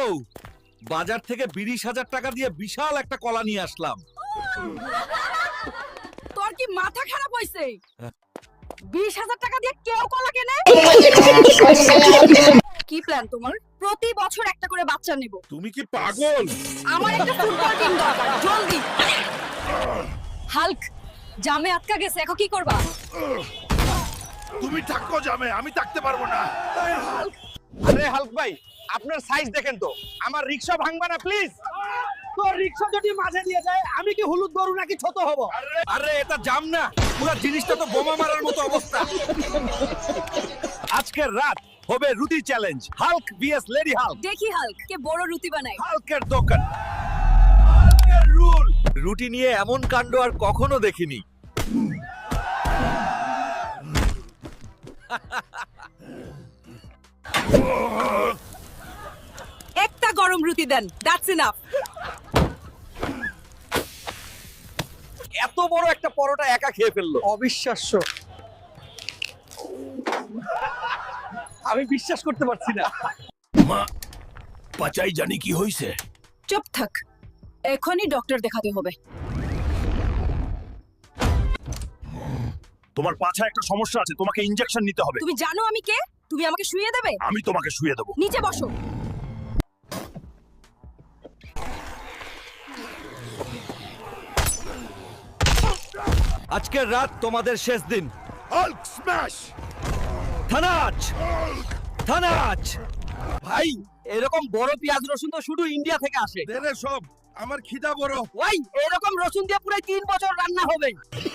বউ, বাজার থেকে 20,000 টাকা দিয়ে বিশাল একটা কলা নিয়ে আসলাম। তোর কি মাথা খারাপ হইছে? 20,000 টাকা দিয়ে কেউ কলা কেনে? কি প্ল্যান তোমার? প্রতি বছর একটা করে বাচ্চা নেব। তুমি কি পাগল? আমার একটা ফুটবল টিম দরকার, জলদি। হাল্ক, জামে আটকা গেছে, এখন কি করবা? তুমি থাকো জামে, আমি থাকতে পারবো না। আরে হাল্ক ভাই, আপনার সাইজ দেখেন তো, আমার রিকশা ভাঙবা না প্লিজ। তোর রিকশা যদি মাঝে দিয়ে যায়, আমি কি হলুদ গরু নাকি ছোট হব? আরে এটা জাম না, পুরো জিনিসটা তো বোমা মারার মতো অবস্থা। আজকের রাত হবে রুটি challenge, Hulk versus lady Hulk. দেখি হাল্ক কে বড় রুটি বানায়। হাল্কের দোকান, হাল্কের রুল। রুটি নিয়ে এমন কাণ্ড আর কখনো দেখিনি। একটা গরম রুটি দেন, দ্যাটস ইনাফ। এত বড় একটা পরোটা একা খেয়ে ফেললো। অবিশ্বাস্য, আমি বিশ্বাস করতে পারছি না। মা, পাচাই জানি কি হইছে। চুপ থাক, এখনই ডক্টর দেখাতে হবে। তোমার পাছায় একটা সমস্যা আছে, তোমাকে ইনজেকশন নিতে হবে। তুমি জানো আমি কে? তুমি আমাকে শুইয়ে দেবে? আমি তোমাকে শুইয়ে দেবো। নিচে বসো। আজকের রাত তোমাদের শেষ দিন। Hulk smash! থানাচ, থানাচ। ভাই, এরকম বড় পেঁয়াজ রসুন তো শুধু ইন্ডিয়া থেকে আসে। দেরে সব, আমার খিদা বড়। ওই এরকম রসুন দিয়ে পুরো 3 বছর রান্না হবে।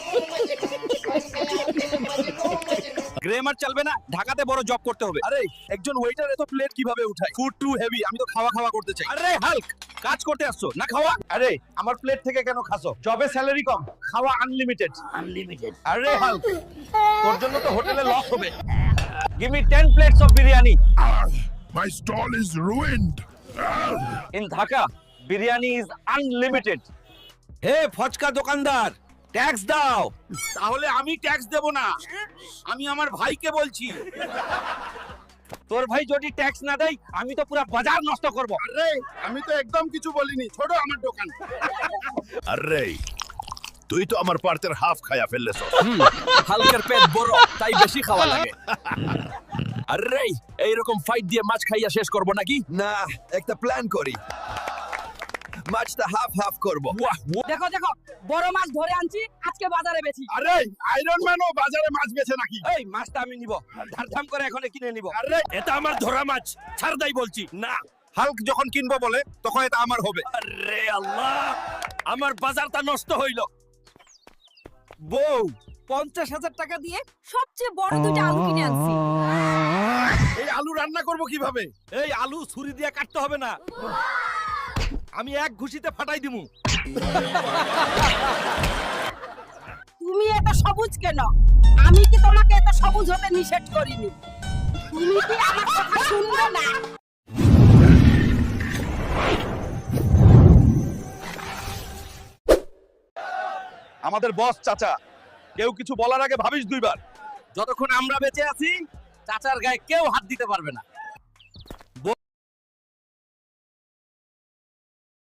গ্রেমার চলবে না, ঢাকাতে বড় জব করতে হবে। আরে একজন ওয়েটার এত প্লেট কিভাবে উঠায়? ফুড টু হেভি, আমি তো খাওয়া খাওয়া করতে চাই। আরে হাল্ক, কাজ করতে আসছো না খাওয়া? আরে আমার প্লেট থেকে কেন খাসো? জবে স্যালারি কম, খাওয়া আনলিমিটেড। আরে হাল্ক, তোর জন্য তো হোটেলে লস হবে। Give me 10 plates of biryani. My stall is ruined. In Dhaka biryani is unlimited. Hey phuchka দোকানদার, ট্যাক্স দাও। তাহলে আমি ট্যাক্স দেব না, আমি আমার ভাইকে বলছি। তোর ভাই যদি ট্যাক্স না দেয়, আমি তো পুরো বাজার নষ্ট করব। আরে আমি তো একদম কিছু বলিনি, ছোট আমার দোকান। আরে তুই তো আমার পার্টের হাফ খায়া ফেললেছ। হালকের পেট বড়, তাই বেশি খাওয়া লাগে। আরে এইরকম ফাইট দিয়ে মাছ খাইয়া শেষ করব নাকি? না, একটা প্ল্যান করি। মাছটা হাফ হাফ করব। দেখো দেখো, বড় মাছ ধরে আনছি, আজকে বাজারে বেচি। আরে আয়রন ম্যানও বাজারে মাছ বেচে নাকি? এই মাছটা আমি নিব, ধারধাম করে এখনই কিনে নিব। আরে এটা আমার ধরা মাছ, ছাড় দাই বলছি। না, হাল্ক যখন কিনবো বলে তখন এটা আমার হবে। আরে আল্লাহ, আমার বাজারটা নষ্ট হইল। বউ, 50,000 টাকা দিয়ে সবচেয়ে বড় দুটো আলু কিনে আনছি। এই আলু রান্না করব কিভাবে? এই আলু ছুরি দিয়ে কাটতে হবে না, আমি এক ঘুষিতে ফাটাই দিমু। তুমি এত সবুজ কেন? আমি কি তোমাকে এত সবুজ হতে নিষেধ করিনি? তুমি কি আমার কথা শুনবে না? আমাদের বস চাচা, কেউ কিছু বলার আগে ভাবিস দুইবার। যতক্ষণ আমরা বেঁচে আছি, চাচার গায়ে কেউ হাত দিতে পারবে না।